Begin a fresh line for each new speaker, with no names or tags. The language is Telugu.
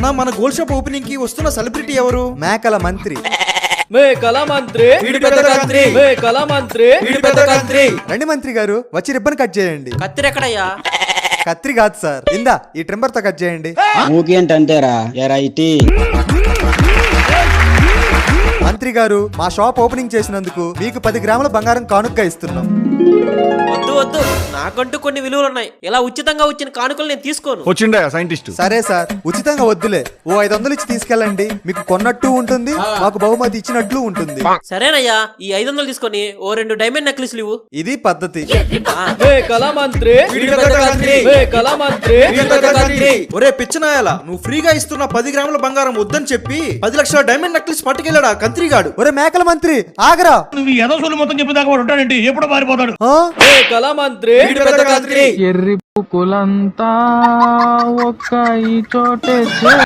అన్న మన గోల్డ్ షాప్ ఓపెనింగ్ కి వస్తున్న సెలబ్రిటీ ఎవరు?
మేకల మంత్రి.
మేకల మంత్రి
వీడి పెద్ద కంత్రి.
మేకల మంత్రి
వీడి పెద్ద కంత్రి.
రండి మంత్రి గారు, వచ్చి రిబ్బన్ కట్ చేయండి.
కత్తిరి ఎక్కడయ్యా?
కత్రి కాదు సార్, ఇందా ఈ ట్రిమ్మర్ తో కట్ చేయండి.
ఊకేంటంతేరా ఎరా ఇటీ.
మంత్రి గారు, మా షాప్ ఓపెనింగ్ చేసినందుకు మీకు 10 గ్రాముల బంగారం కానుకగా ఇస్తున్నాం.
వద్దు వద్దు, నాకంటూ కొన్ని విలువలు ఉన్నాయి. ఇలా ఉచితంగా వచ్చిన కానుకలు నేను తీసుకోను.
వచ్చిండా సైంటిస్ట్?
సరే సార్, ఉచితంగా వద్దులే, ఓ 500 ఇచ్చి తీసుకెళ్ళండి. మీకు కొన్నట్టు ఉంటుంది, మాకు బహుమతి ఇచ్చినట్లు ఉంటుంది.
సరేనయ్యా, ఈ 500 తీసుకొని ఓ 2 డైమండ్ నెక్లెస్లు ఇవ్వు.
ఇది పద్ధతి.
మేకల మంత్రి
వీడి పెద్ద కంత్రి.
మేకల మంత్రి
వీడి పెద్ద కంత్రి. ఒరే పిచ్చనాయాల, నువ్వు ఫ్రీగా ఇస్తున్న 10 గ్రాముల బంగారం వద్దని చెప్పి 10 లక్షల డైమండ్ నెక్లెస్ పట్టుకెళ్ళాడా కంత్రిగాడు.
ఒరే మేకల మంత్రి ఆగరా.
నువ్వు ఏదో సొల్లు మొత్తం చెప్పేదాకా వాడు ఉంటాడండి, ఎప్పుడు మారిపోతాడు.
ఆ?
మేకల మంత్రి
వీడి పెద్ద కంత్రి.
ఎర్రి పుకులంతా ఒక్క ఈ చోటే